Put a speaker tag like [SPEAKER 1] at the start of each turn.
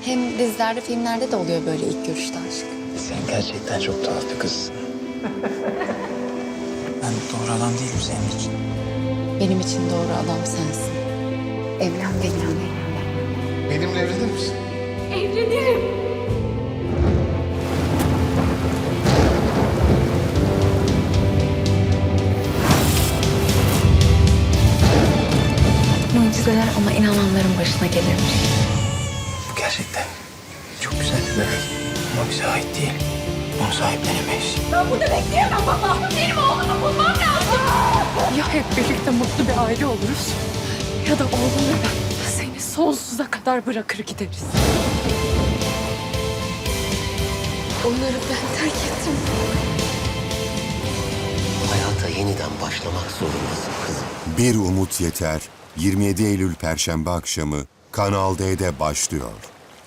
[SPEAKER 1] Hem dizilerde, filmlerde de oluyor böyle ilk görüşte aşk.
[SPEAKER 2] Sen gerçekten çok tuhaf bir kızsın. Ben doğru adam değilim senin için.
[SPEAKER 1] Benim için doğru adam sensin. Evlen benimle.
[SPEAKER 3] Benimle evlenir misin?
[SPEAKER 4] Evlenirim.
[SPEAKER 1] Mucizeler ona inananların başına gelirmiş.
[SPEAKER 2] Bu gerçekten çok güzel bir bebek. Ama bize ait değil. Onu sahiplenemeyiz.
[SPEAKER 4] Ben burada bekleyemem baba. Benim oğlumu bulmam lazım.
[SPEAKER 5] Ya hep birlikte mutlu bir aile oluruz ya da oğlum ve ben seni sonsuza kadar bırakır gideriz.
[SPEAKER 1] Onları ben terk ettim.
[SPEAKER 6] Hayata yeniden başlamak zorundasın kızım.
[SPEAKER 7] Bir Umut Yeter 27 Eylül Perşembe akşamı Kanal D'de başlıyor.